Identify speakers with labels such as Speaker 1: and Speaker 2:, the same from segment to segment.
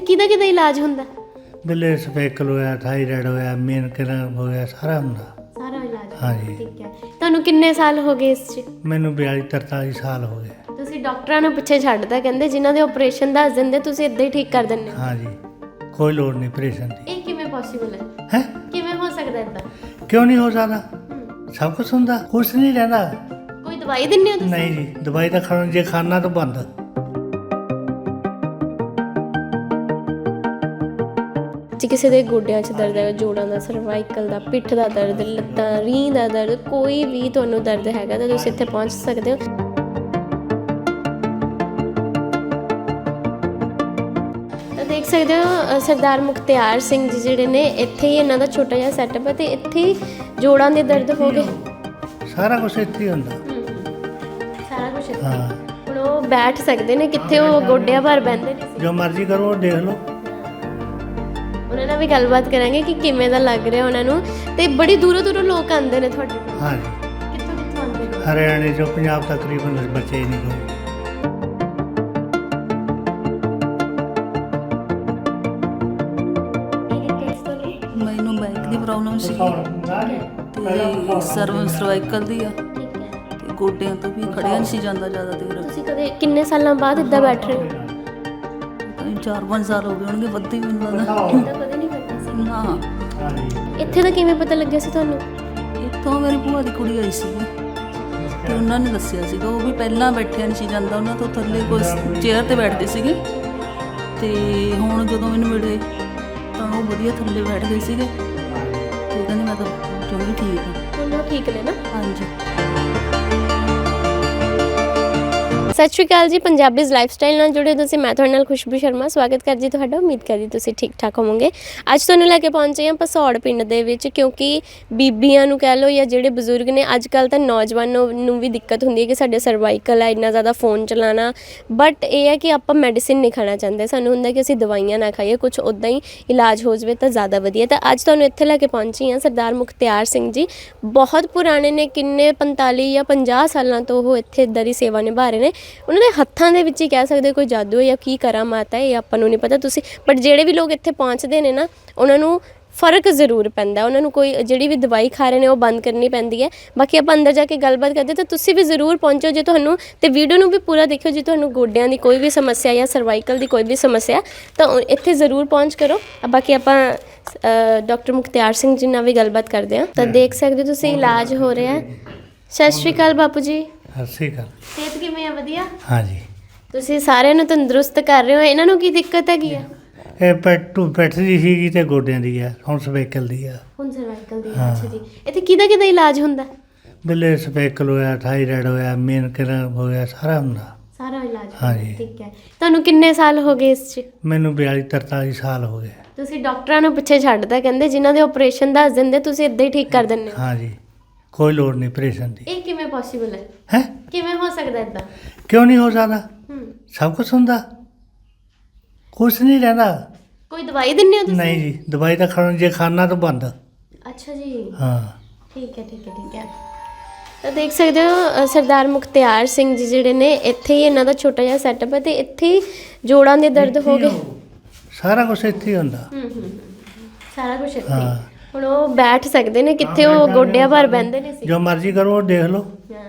Speaker 1: ਕਿਹਦਾ ਕਿਹਦਾ ਇਲਾਜ ਹੁੰਦਾ?
Speaker 2: ਬਿਲੇ ਸਪੈਕਲ ਹੋਇਆ, ਥਾਇਰਾਇਡ ਹੋਇਆ, ਮੇਨ ਕਿਲਰ ਹੋ ਗਿਆ, ਸਾਰਾ ਹੁੰਦਾ।
Speaker 1: ਸਾਰਾ ਇਲਾਜ?
Speaker 2: ਹਾਂਜੀ।
Speaker 1: ਠੀਕ ਹੈ। ਤੁਹਾਨੂੰ ਕਿੰਨੇ ਸਾਲ ਹੋ ਗਏ ਇਸ 'ਚ?
Speaker 2: ਮੈਨੂੰ 42-43 ਸਾਲ ਹੋ ਗਏ।
Speaker 1: ਤੁਸੀਂ ਡਾਕਟਰਾਂ ਨੂੰ ਪਿੱਛੇ ਛੱਡਦਾ, ਕਹਿੰਦੇ ਜਿਨ੍ਹਾਂ ਦੇ ਆਪਰੇਸ਼ਨ ਦੱਸ ਦਿੰਦੇ ਤੁਸੀਂ ਇੱਦਾਂ ਹੀ ਠੀਕ ਕਰ ਦਿੰਦੇ ਹੋ।
Speaker 2: ਹਾਂਜੀ, ਕੋਈ ਲੋੜ ਨਹੀਂ ਆਪਰੇਸ਼ਨ ਦੀ।
Speaker 1: ਇਹ ਕਿਵੇਂ ਪੋਸੀਬਲ ਹੈ?
Speaker 2: ਹੈ
Speaker 1: ਕਿਵੇਂ ਹੋ ਸਕਦਾ ਇੱਦਾਂ?
Speaker 2: ਕਿਉਂ ਨਹੀਂ ਹੋ ਸਕਦਾ? ਸਭ ਕੁਛ ਹੁੰਦਾ, ਕੁਛ ਨਹੀਂ ਰਹਿੰਦਾ।
Speaker 1: ਕੋਈ ਦਵਾਈ ਦਿੰਦੇ ਹੋ ਤੁਸੀਂ?
Speaker 2: ਨਹੀਂ ਜੀ, ਦਵਾਈ ਤਾਂ ਖਾਣ ਜੇ ਖਾਣਾ ਤਾਂ ਬੰਦ।
Speaker 1: ਜੇ ਕਿਸੇ ਦੇ ਗੋਡਿਆਂ 'ਚ ਦਰਦ ਹੈ, ਜੋੜਾਂ ਦਾ, ਸਰਵਾਈਕਲ ਦਾ, ਪਿੱਠ ਦਾ ਦਰਦ, ਲੱਤਾਂ, ਰੀਂਹ ਦਾ ਦਰਦ, ਕੋਈ ਵੀ ਤੁਹਾਨੂੰ ਦਰਦ ਹੈਗਾ ਤਾਂ ਤੁਸੀਂ ਇੱਥੇ ਪਹੁੰਚ ਸਕਦੇ ਹੋ। ਤਾਂ ਦੇਖ ਸਕਦੇ ਹੋ ਸਰਦਾਰ ਮੁਖਤਿਆਰ ਸਿੰਘ ਜੀ ਜਿਹੜੇ ਨੇ, ਇੱਥੇ ਹੀ ਇਹਨਾਂ ਦਾ ਛੋਟਾ ਜਿਹਾ ਸੈਟਅਪ ਹੈ ਤੇ ਇੱਥੇ ਹੀ ਜੋੜਾਂ ਦੇ ਦਰਦ ਹੋ ਗਏ।
Speaker 2: ਸਾਰਾ ਕੁਛ ਇੱਥੇ ਹੀ ਹੁੰਦਾ।
Speaker 1: ਸਾਰਾ ਕੁਝ ਇੱਥੇ।
Speaker 2: ਹਾਂ,
Speaker 1: ਹੁਣ ਉਹ ਬੈਠ ਸਕਦੇ ਨੇ, ਕਿੱਥੇ ਉਹ ਗੋਡਿਆਂ ਭਰ ਬਹਿੰਦੇ ਨੇ।
Speaker 2: ਜੋ ਮਰਜ਼ੀ ਕਰੋ ਦੇਖ ਲਓ।
Speaker 1: ਉਹਨਾਂ ਨਾਲ ਵੀ ਗੱਲਬਾਤ ਕਰਾਂਗੇ ਕਿ ਕਿਵੇਂ ਦਾ ਲੱਗ ਰਿਹਾ ਉਹਨਾਂ ਨੂੰ। ਤੇ ਬੜੀ ਦੂਰੋਂ ਦੂਰੋਂ ਲੋਕ ਆਉਂਦੇ ਨੇ ਤੁਹਾਡੇ ਕੋਲ?
Speaker 2: ਹਾਂਜੀ,
Speaker 1: ਕਿੱਥੋਂ ਕਿੱਥੋਂ ਆਉਂਦੇ ਨੇ?
Speaker 2: ਹਰਿਆਣੇ ਚੋਂ, ਪੰਜਾਬ ਤਕਰੀਬਨ ਬੱਚੇ ਹੀ ਨਹੀਂ ਕੋਈ।
Speaker 3: ਮੈਨੂੰ ਬੈਕ ਦੀ ਪ੍ਰੋਬਲਮ ਸੀ ਤੇ ਸਰਵਾਈਕਲ ਦੀ ਆ ਤੇ ਗੋਡਿਆਂ ਤੋਂ ਵੀ ਖੜਿਆ ਨਹੀਂ ਸੀ ਜਾਂਦਾ ਜ਼ਿਆਦਾ ਦੇਰ।
Speaker 1: ਤੁਸੀਂ ਕਦੇ ਕਿੰਨੇ ਸਾਲਾਂ ਬਾਅਦ ਇੱਦਾਂ ਬੈਠ ਰਹੇ ਹੋ?
Speaker 3: 4-5 ਸਾਲ ਹੋ ਗਏ ਹੋਣਗੇ, ਵੱਧੇ ਮੈਨੂੰ ਲੱਗਦਾ।
Speaker 1: ਇੱਦਾਂ ਕਦੇ ਨਹੀਂ ਕਰਦਾ ਸੀ?
Speaker 3: ਹਾਂ,
Speaker 1: ਇੱਥੇ ਦਾ ਕਿਵੇਂ ਪਤਾ ਲੱਗਿਆ ਸੀ ਤੁਹਾਨੂੰ?
Speaker 3: ਇੱਥੋਂ ਮੇਰੀ ਭੂਆ ਦੀ ਕੁੜੀ ਆਈ ਸੀ ਤੇ ਉਹਨਾਂ ਨੇ ਦੱਸਿਆ ਸੀਗਾ। ਉਹ ਵੀ ਪਹਿਲਾਂ ਬੈਠਿਆ ਨਹੀਂ ਸੀ ਜਾਂਦਾ, ਉਹਨਾਂ ਤੋਂ ਥੱਲੇ ਕੋਈ ਚੇਅਰ ਤੇ ਬੈਠਦੇ ਸੀਗੇ ਤੇ ਹੁਣ ਜਦੋਂ ਮੈਨੂੰ ਮਿਲੇ ਤਾਂ ਉਹ ਵਧੀਆ ਥੱਲੇ ਬੈਠ ਗਏ ਸੀਗੇ ਤੇ ਕਹਿੰਦੇ ਮੈਂ ਤਾਂ ਚੰਗੀ ਠੀਕ ਹਾਂ।
Speaker 1: ਹੁਣ ਉਹ ਠੀਕ ਨੇ ਨਾ?
Speaker 3: ਹਾਂਜੀ।
Speaker 1: ਸਤਿ ਸ਼੍ਰੀ ਅਕਾਲ ਜੀ। ਪੰਜਾਬੀਜ਼ ਲਾਈਫਸਟਾਈਲ ਨਾਲ ਜੁੜੇ ਤੁਸੀਂ, ਮੈਂ ਤੁਹਾਡੇ ਨਾਲ ਖੁਸ਼ਬੂ ਸ਼ਰਮਾ ਸਵਾਗਤ ਕਰਦੀ ਤੁਹਾਡਾ। ਉਮੀਦ ਕਰਦੀ ਤੁਸੀਂ ਠੀਕ ਠਾਕ ਹੋਵੋਗੇ। ਅੱਜ ਤੁਹਾਨੂੰ ਲੈ ਕੇ ਪਹੁੰਚੇ ਹਾਂ ਭਸੌੜ ਪਿੰਡ ਦੇ ਵਿੱਚ, ਕਿਉਂਕਿ ਬੀਬੀਆਂ ਨੂੰ ਕਹਿ ਲਓ ਜਾਂ ਜਿਹੜੇ ਬਜ਼ੁਰਗ ਨੇ, ਅੱਜ ਕੱਲ੍ਹ ਤਾਂ ਨੌਜਵਾਨਾਂ ਨੂੰ ਵੀ ਦਿੱਕਤ ਹੁੰਦੀ ਹੈ ਕਿ ਸਾਡੇ ਸਰਵਾਈਕਲ ਹੈ, ਇੰਨਾ ਜ਼ਿਆਦਾ ਫੋਨ ਚਲਾਉਣਾ। ਬਟ ਇਹ ਹੈ ਕਿ ਆਪਾਂ ਮੈਡੀਸਿਨ ਨਹੀਂ ਖਾਣਾ ਚਾਹੁੰਦੇ, ਸਾਨੂੰ ਹੁੰਦਾ ਕਿ ਅਸੀਂ ਦਵਾਈਆਂ ਨਾ ਖਾਈਏ, ਕੁਛ ਉੱਦਾਂ ਹੀ ਇਲਾਜ ਹੋ ਜਾਵੇ ਤਾਂ ਜ਼ਿਆਦਾ ਵਧੀਆ। ਤਾਂ ਅੱਜ ਤੁਹਾਨੂੰ ਇੱਥੇ ਲੈ ਕੇ ਪਹੁੰਚੀ ਹਾਂ ਸਰਦਾਰ ਮੁਖਤਿਆਰ ਸਿੰਘ ਜੀ। ਬਹੁਤ ਪੁਰਾਣੇ ਨੇ, ਕਿੰਨੇ 45 ਜਾਂ 50 ਸਾਲਾਂ ਤੋਂ ਉਹ ਇੱਥੇ ਇੱਦਾਂ ਦੀ ਸੇਵਾ ਨਿਭਾ ਰਹੇ ਨੇ। ਉਹਨਾਂ ਦੇ ਹੱਥਾਂ ਦੇ ਵਿੱਚ ਹੀ ਕਹਿ ਸਕਦੇ ਕੋਈ ਜਾਦੂ ਹੈ ਜਾਂ ਕੀ ਕਰਾਮਾਤ ਹੈ, ਇਹ ਆਪਾਂ ਨੂੰ ਨਹੀਂ ਪਤਾ। ਤੁਸੀਂ ਬਟ ਜਿਹੜੇ ਵੀ ਲੋਕ ਇੱਥੇ ਪਹੁੰਚਦੇ ਨੇ ਨਾ, ਉਹਨਾਂ ਨੂੰ ਫ਼ਰਕ ਜ਼ਰੂਰ ਪੈਂਦਾ। ਉਹਨਾਂ ਨੂੰ ਕੋਈ ਜਿਹੜੀ ਵੀ ਦਵਾਈ ਖਾ ਰਹੇ ਨੇ ਉਹ ਬੰਦ ਕਰਨੀ ਪੈਂਦੀ ਹੈ। ਬਾਕੀ ਆਪਾਂ ਅੰਦਰ ਜਾ ਕੇ ਗੱਲਬਾਤ ਕਰਦੇ, ਤਾਂ ਤੁਸੀਂ ਵੀ ਜ਼ਰੂਰ ਪਹੁੰਚੋ ਜੇ ਤੁਹਾਨੂੰ, ਤੇ ਵੀਡੀਓ ਨੂੰ ਵੀ ਪੂਰਾ ਦੇਖਿਓ। ਜੇ ਤੁਹਾਨੂੰ ਗੋਡਿਆਂ ਦੀ ਕੋਈ ਵੀ ਸਮੱਸਿਆ ਜਾਂ ਸਰਵਾਈਕਲ ਦੀ ਕੋਈ ਵੀ ਸਮੱਸਿਆ ਤਾਂ ਇੱਥੇ ਜ਼ਰੂਰ ਪਹੁੰਚ ਕਰੋ। ਬਾਕੀ ਆਪਾਂ ਡਾਕਟਰ ਮੁਖਤਿਆਰ ਸਿੰਘ ਜੀ ਨਾਲ ਵੀ ਗੱਲਬਾਤ ਕਰਦੇ ਹਾਂ। ਤਾਂ ਦੇਖ ਸਕਦੇ ਹੋ ਤੁਸੀਂ ਇਲਾਜ ਹੋ ਰਿਹਾ। ਸਤਿ ਸ਼੍ਰੀ ਅਕਾਲ ਬਾਪੂ ਜੀ।
Speaker 2: ਸਤਿ ਸ਼੍ਰੀ ਅਕਾਲ।
Speaker 1: ਸਿਹਤ ਕਿਵੇਂ ਆ? ਵਧੀਆ।
Speaker 2: ਹਾਂਜੀ,
Speaker 1: ਤੁਸੀਂ ਸਾਰਿਆਂ ਨੂੰ ਤੰਦਰੁਸਤ ਕਰ ਰਹੇ ਹੋ। ਇਹਨਾਂ ਨੂੰ ਕੀ ਦਿੱਕਤ ਹੈਗੀ ਆ?
Speaker 2: ਇਹ ਪਿੱਠ ਦੀ ਸੀਗੀ ਤੇ ਗੋਡਿਆਂ ਦੀ ਆ, ਹੁਣ ਸਪੈਕਲ ਦੀ ਆ।
Speaker 1: ਹੁਣ ਸਰਵਾਈਕਲ ਦੀ? ਅੱਛਾ ਜੀ। ਇੱਥੇ ਕਿਹਦਾ ਕਿਹਦਾ ਇਲਾਜ ਹੁੰਦਾ?
Speaker 2: ਬਿਲੇ ਸਪੈਕਲ ਹੋਇਆ, ਥਾਇਰਾਇਡ ਹੋਇਆ, ਮੇਨ ਕਿਲਰ ਹੋ ਗਿਆ, ਸਾਰਾ ਹੁੰਦਾ।
Speaker 1: ਸਾਰਾ ਇਲਾਜ?
Speaker 2: ਹਾਂਜੀ।
Speaker 1: ਠੀਕ ਹੈ। ਤੁਹਾਨੂੰ ਕਿੰਨੇ ਸਾਲ ਹੋ ਗਏ ਇਸ 'ਚ?
Speaker 2: ਮੈਨੂੰ 42-43 ਸਾਲ ਹੋ ਗਏ।
Speaker 1: ਤੁਸੀਂ ਡਾਕਟਰਾਂ ਨੂੰ ਪਿੱਛੇ ਛੱਡਦਾ, ਕਹਿੰਦੇ ਜਿਨ੍ਹਾਂ ਦੇ ਆਪਰੇਸ਼ਨ ਦੱਸ ਦਿੰਦੇ ਤੁਸੀਂ ਇੱਦਾਂ ਹੀ ਠੀਕ ਕਰ ਦਿੰਦੇ ਹੋ।
Speaker 2: ਹਾਂਜੀ, ਕੋਈ ਲੋੜ ਨਹੀਂ ਆਪਰੇਸ਼ਨ ਦੀ।
Speaker 1: ਇਹ ਕਿਵੇਂ ਪੋਸੀਬਲ ਹੈ?
Speaker 2: ਹੈ
Speaker 1: ਕਿਵੇਂ ਹੋ ਸਕਦਾ ਇੱਦਾਂ?
Speaker 2: ਕਿਉਂ ਨਹੀਂ ਹੋ ਸਕਦਾ? ਸਭ ਕੁਛ ਹੁੰਦਾ, ਕੁਛ ਨਹੀਂ ਰਹਿੰਦਾ।
Speaker 1: ਕੋਈ ਦਵਾਈ ਦਿੰਦੇ ਹੋ ਤੁਸੀਂ?
Speaker 2: ਨਹੀਂ ਜੀ, ਦਵਾਈ ਤਾਂ ਖਾਣ ਜੇ ਖਾਣਾ ਤਾਂ ਬੰਦ।
Speaker 1: ਅੱਛਾ ਜੀ।
Speaker 2: ਹਾਂ,
Speaker 1: ਠੀਕ ਹੈ ਠੀਕ ਹੈ ਠੀਕ ਹੈ। ਤਾਂ ਦੇਖ ਸਕਦੇ ਹੋ ਸਰਦਾਰ ਮੁਖਤਿਆਰ ਸਿੰਘ ਜੀ ਜਿਹੜੇ ਨੇ, ਇੱਥੇ ਹੀ ਇਹਨਾਂ ਦਾ ਛੋਟਾ ਜਿਹਾ ਸੈਟਅਪ ਹੈ ਤੇ ਇੱਥੇ ਹੀ ਜੋੜਾਂ ਦੇ ਦਰਦ ਹੋ ਗਏ।
Speaker 2: ਸਾਰਾ ਕੁਛ ਇੱਥੇ ਹੀ ਹੁੰਦਾ।
Speaker 1: ਸਾਰਾ ਕੁਝ ਇੱਥੇ।
Speaker 2: ਹਾਂ,
Speaker 1: ਹੁਣ ਉਹ ਬੈਠ ਸਕਦੇ ਨੇ, ਕਿੱਥੇ ਉਹ ਗੋਡਿਆਂ ਭਰ ਬਹਿੰਦੇ ਨੇ ਸੀ।
Speaker 2: ਜੋ ਮਰਜ਼ੀ ਕਰੋ ਦੇਖ ਲਓ।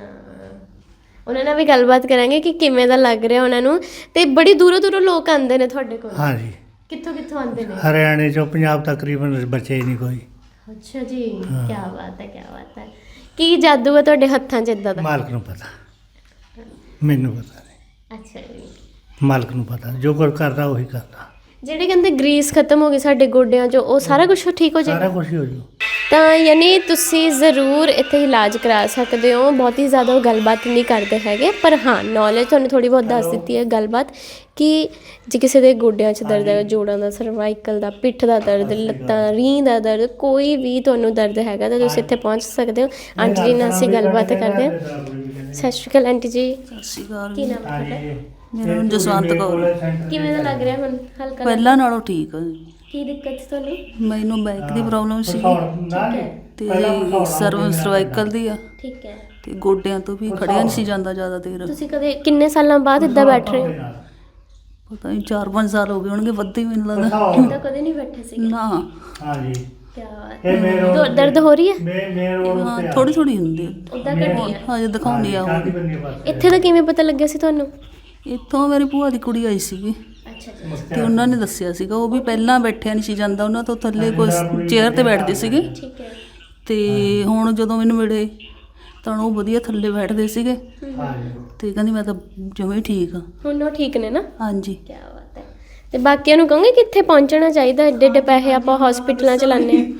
Speaker 1: ਉਹਨਾਂ ਨਾਲ ਵੀ ਗੱਲਬਾਤ ਕਰਾਂਗੇ ਕਿ ਕਿਵੇਂ ਦਾ ਲੱਗ ਰਿਹਾ ਉਹਨਾਂ ਨੂੰ। ਤੇ ਬੜੀ ਦੂਰੋਂ ਦੂਰੋਂ ਲੋਕ ਆਉਂਦੇ ਨੇ ਤੁਹਾਡੇ ਕੋਲ?
Speaker 2: ਹਾਂਜੀ,
Speaker 1: ਕਿੱਥੋਂ ਕਿੱਥੋਂ ਆਉਂਦੇ ਨੇ?
Speaker 2: ਹਰਿਆਣੇ ਚੋਂ, ਪੰਜਾਬ ਤਕਰੀਬਨ ਬੱਚੇ ਹੀ ਨਹੀਂ ਕੋਈ।
Speaker 1: ਅੱਛਾ ਜੀ। ਕੀ ਬਾਤ ਹੈ, ਕੀ ਬਾਤ ਹੈ। ਕੀ ਜਾਦੂ ਹੈ ਤੁਹਾਡੇ ਹੱਥਾਂ 'ਚ ਇੱਦਾਂ ਦਾ?
Speaker 2: ਮਾਲਕ ਨੂੰ ਪਤਾ, ਮੈਨੂੰ ਪਤਾ ਨਹੀਂ।
Speaker 1: ਅੱਛਾ ਜੀ।
Speaker 2: ਮਾਲਕ ਨੂੰ ਪਤਾ, ਜੋ ਕੁਝ ਕਰਦਾ ਉਹੀ ਕਰਦਾ।
Speaker 1: ਜਿਹੜੇ ਕਹਿੰਦੇ ਗਰੀਸ ਖਤਮ ਹੋ ਗਈ ਸਾਡੇ ਗੋਡਿਆਂ 'ਚੋਂ, ਉਹ ਸਾਰਾ ਕੁਝ ਠੀਕ ਹੋ
Speaker 2: ਸਾਰਾ
Speaker 1: ਜਾਏਗਾ?
Speaker 2: ਕੁਝ ਹੀ ਹੋ ਜੂ।
Speaker 1: ਤਾਂ ਯਾਨੀ ਤੁਸੀਂ ਜ਼ਰੂਰ ਇੱਥੇ ਇਲਾਜ ਕਰਾ ਸਕਦੇ ਹੋ। ਬਹੁਤੀ ਜ਼ਿਆਦਾ ਉਹ ਗੱਲਬਾਤ ਨਹੀਂ ਕਰਦੇ ਹੈਗੇ, ਪਰ ਹਾਂ ਨੌਲੇਜ ਤੁਹਾਨੂੰ ਥੋੜ੍ਹੀ ਬਹੁਤ ਦੱਸ ਦਿੱਤੀ ਹੈ ਗੱਲਬਾਤ, ਕਿ ਜੇ ਕਿਸੇ ਦੇ ਗੋਡਿਆਂ 'ਚ ਦਰਦ ਹੈ, ਜੋੜਾਂ ਦਾ, ਸਰਵਾਈਕਲ ਦਾ, ਪਿੱਠ ਦਾ ਦਰਦ, ਲੱਤਾਂ, ਰੀਂਹ ਦਾ ਦਰਦ, ਕੋਈ ਵੀ ਤੁਹਾਨੂੰ ਦਰਦ ਹੈਗਾ ਤਾਂ ਤੁਸੀਂ ਇੱਥੇ ਪਹੁੰਚ ਸਕਦੇ ਹੋ। ਆਂਟੀ ਜੀ ਨਾਲ ਅਸੀਂ ਗੱਲਬਾਤ ਕਰਦੇ ਹਾਂ। ਸਤਿ ਸ਼੍ਰੀ ਅਕਾਲ ਆਂਟੀ ਜੀ।
Speaker 3: ਸਤਿ ਸ਼੍ਰੀ ਅਕਾਲ।
Speaker 1: ਕੀ ਨਾਮ ਹੈ ਤੁਹਾਡਾ?
Speaker 3: ਮੇਰਾ ਨਾਮ ਜਸਵੰਤ ਕੌਰ।
Speaker 1: ਕਿਵੇਂ ਦਾ ਲੱਗ ਰਿਹਾ ਹੁਣ? ਹਲਕਾ?
Speaker 3: ਪਹਿਲਾਂ ਨਾਲੋਂ ਠੀਕ ਆ ਜੀ।
Speaker 1: ਕੀ ਦਿੱਕਤ ਸੀ ਤੁਹਾਨੂੰ?
Speaker 3: ਮੈਨੂੰ ਬੈਕ ਦੀ ਪ੍ਰੋਬਲਮ ਸੀ ਤੇ ਸਰਵਾਈਕਲ ਦੀ ਆ
Speaker 1: ਠੀਕ ਹੈ।
Speaker 3: ਤੇ ਗੋਡਿਆਂ ਤੋਂ ਵੀ ਖੜਿਆ ਨਹੀਂ ਸੀ ਜਾਂਦਾ ਜ਼ਿਆਦਾ ਦੇਰ।
Speaker 1: ਤੁਸੀਂ ਕਦੇ ਕਿੰਨੇ ਸਾਲਾਂ ਬਾਅਦ ਇੱਦਾਂ ਬੈਠ ਰਹੇ ਹੋ?
Speaker 3: ਪਤਾ ਨਹੀਂ 4-5 ਸਾਲ ਹੋ ਗਏ ਹੋਣਗੇ, ਵੱਧ ਹੀ ਮੈਨੂੰ ਲੱਗਦਾ।
Speaker 1: ਤਾਂ ਕਦੇ ਨਹੀਂ ਬੈਠੇ ਸੀ?
Speaker 3: ਨਾ
Speaker 2: ਹਾਂਜੀ
Speaker 1: ਕੀ ਬਾਤ
Speaker 2: ਇਹ ਮੇਨ
Speaker 1: ਹੈ।
Speaker 2: ਰੋਡ
Speaker 1: ਦਰਦ ਹੋ ਰਹੀ ਹੈ?
Speaker 2: ਮੇਨ ਰੋਡ
Speaker 3: ਹਾਂ
Speaker 2: ਤੇ ਆ।
Speaker 3: ਥੋੜੀ ਥੋੜੀ ਹੁੰਦੀ
Speaker 1: ਉਦਾਂ ਘਟੀ ਹੈ?
Speaker 3: ਹਾਂ ਜੇ ਦਿਖਾਉਂਦੀ ਆ
Speaker 2: ਸ਼ਾਦੀ
Speaker 3: ਉਹ।
Speaker 2: ਬੰਨੀ ਪਾਸੇ
Speaker 1: ਇੱਥੇ ਦਾ ਕਿਵੇਂ ਪਤਾ ਲੱਗਿਆ ਸੀ ਤੁਹਾਨੂੰ?
Speaker 3: ਇੱਥੋਂ ਮੇਰੀ ਭੂਆ ਦੀ ਕੁੜੀ ਆਈ ਸੀਗੀ
Speaker 1: ਅੱਛਾ ਜੀ,
Speaker 3: ਤੇ ਉਹਨਾਂ ਨੇ ਦੱਸਿਆ ਸੀਗਾ। ਉਹ ਵੀ ਪਹਿਲਾਂ ਬੈਠਿਆ ਨਹੀਂ ਸੀ ਜਾਂਦਾ, ਉਹਨਾਂ ਤੋਂ ਥੱਲੇ ਕੋਈ ਚੇਅਰ ਤੇ ਬੈਠਦੇ ਸੀਗੇ।
Speaker 1: ਠੀਕ ਹੈ।
Speaker 3: ਤੇ ਹੁਣ ਜਦੋਂ ਮੈਨੂੰ ਮਿਲੇ ਤਾਂ ਉਹ ਵਧੀਆ ਥੱਲੇ ਬੈਠਦੇ ਸੀਗੇ
Speaker 2: ਹਾਂਜੀ
Speaker 3: ਤੇ ਕਹਿੰਦੀ ਮੈਂ ਤਾਂ ਜਮੇ ਠੀਕ ਆ।
Speaker 1: ਹੁਣ ਉਹ ਠੀਕ ਨੇ ਨਾ?
Speaker 3: ਹਾਂਜੀ
Speaker 1: ਕੀ ਬਾਤ ਹੈ। ਤੇ ਬਾਕੀਆਂ ਨੂੰ ਕਹੋਗੇ ਕਿੱਥੇ ਪਹੁੰਚਣਾ ਚਾਹੀਦਾ? ਏਡੇ ਏਡੇ ਪੈਸੇ ਆਪਾਂ ਹਸਪੀਟਲਾਂ ਚ ਲਾਉਂਦੇ ਹਾਂ।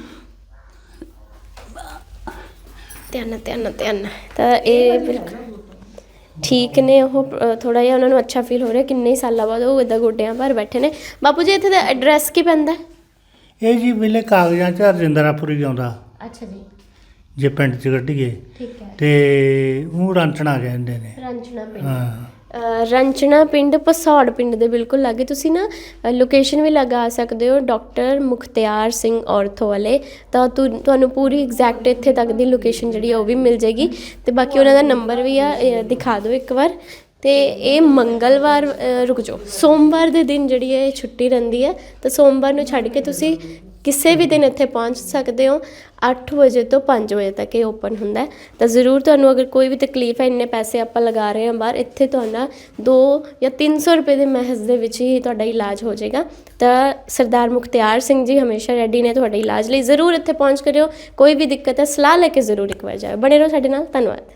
Speaker 1: ਧਿਆਨ ਤਾਂ ਇਹ ਬਿਲਕੁਲ ਠੀਕ ਨੇ। ਉਹ ਥੋੜਾ ਜਿਹਾ ਉਹਨਾਂ ਨੂੰ ਅੱਛਾ ਫੀਲ ਹੋ ਰਿਹਾ, ਕਿੰਨੇ ਹੀ ਸਾਲਾਂ ਬਾਅਦ ਉਹ ਇੱਦਾਂ ਗੋਡਿਆਂ ਭਰ ਬੈਠੇ ਨੇ। ਬਾਪੂ ਜੀ ਇੱਥੇ ਦਾ ਐਡਰੈਸ ਕੀ ਪੈਂਦਾ?
Speaker 2: ਇਹ ਜੀ ਵੇਲੇ ਕਾਗਜ਼ਾਂ 'ਚ ਰਜਿੰਦਰਾਪੁਰੀ ਆਉਂਦਾ
Speaker 1: ਅੱਛਾ ਜੀ,
Speaker 2: ਜੇ ਪਿੰਡ 'ਚ ਕੱਢੀਏ
Speaker 1: ਠੀਕ ਹੈ।
Speaker 2: ਤੇ ਉਹ ਰਾਂਚਣਾ ਕਹਿੰਦੇ ਨੇ।
Speaker 1: ਰੰਚਣਾ ਪਿੰਡ।
Speaker 2: ਹਾਂ
Speaker 1: ਰੰਚਣਾ ਪਿੰਡ ਪਸੌੜ ਪਿੰਡ ਦੇ ਬਿਲਕੁਲ ਲਾਗੇ। ਤੁਸੀਂ ਨਾ ਲੋਕੇਸ਼ਨ ਵੀ ਲਗਾ ਸਕਦੇ ਹੋ, ਡਾਕਟਰ ਮੁਖਤਿਆਰ ਸਿੰਘ ਔਰਥੋ ਵਾਲੇ। ਤਾਂ ਤੁਹਾਨੂੰ ਪੂਰੀ ਐਗਜ਼ੈਕਟ ਇੱਥੇ ਤੱਕ ਦੀ ਲੋਕੇਸ਼ਨ ਜਿਹੜੀ ਆ ਉਹ ਵੀ ਮਿਲ ਜਾਏਗੀ। ਤੇ ਬਾਕੀ ਉਹਨਾਂ ਦਾ ਨੰਬਰ ਵੀ ਆ, ਦਿਖਾ ਦਿਓ ਇੱਕ ਵਾਰ। ਤੇ ਇਹ ਮੰਗਲਵਾਰ ਰੁਕ ਜਾਓ, ਸੋਮਵਾਰ ਦੇ ਦਿਨ ਜਿਹੜੀ ਹੈ ਇਹ ਛੁੱਟੀ ਰਹਿੰਦੀ ਹੈ। ਤਾਂ ਸੋਮਵਾਰ ਨੂੰ ਛੱਡ ਕੇ ਤੁਸੀਂ ਕਿਸੇ ਵੀ ਦਿਨ ਇੱਥੇ ਪਹੁੰਚ ਸਕਦੇ ਹੋ। 8 ਵਜੇ ਤੋਂ 5 ਵਜੇ ਤੱਕ ਇਹ ਓਪਨ ਹੁੰਦਾ ਹੈ। ਤਾਂ ਜ਼ਰੂਰ ਤੁਹਾਨੂੰ ਅਗਰ ਕੋਈ ਵੀ ਤਕਲੀਫ ਹੈ, ਇੰਨੇ ਪੈਸੇ ਆਪਾਂ ਲਗਾ ਰਹੇ ਹਾਂ ਬਾਹਰ, ਇੱਥੇ ਤੁਹਾਡਾ 2 ਜਾਂ 300 ਰੁਪਏ ਦੇ ਮਹਿਜ਼ ਦੇ ਵਿੱਚ ਹੀ ਤੁਹਾਡਾ ਇਲਾਜ ਹੋ ਜਾਏਗਾ। ਤਾਂ ਸਰਦਾਰ ਮੁਖਤਿਆਰ ਸਿੰਘ ਜੀ ਹਮੇਸ਼ਾ ਰੈਡੀ ਨੇ ਤੁਹਾਡੇ ਇਲਾਜ ਲਈ। ਜ਼ਰੂਰ ਇੱਥੇ ਪਹੁੰਚ ਕਰਿਓ। ਕੋਈ ਵੀ ਦਿੱਕਤ ਹੈ ਸਲਾਹ ਲੈ ਕੇ ਜ਼ਰੂਰ ਇੱਕ ਵਾਰ ਜਾਓ। ਬਣੇ ਰਹੋ ਸਾਡੇ ਨਾਲ। ਧੰਨਵਾਦ।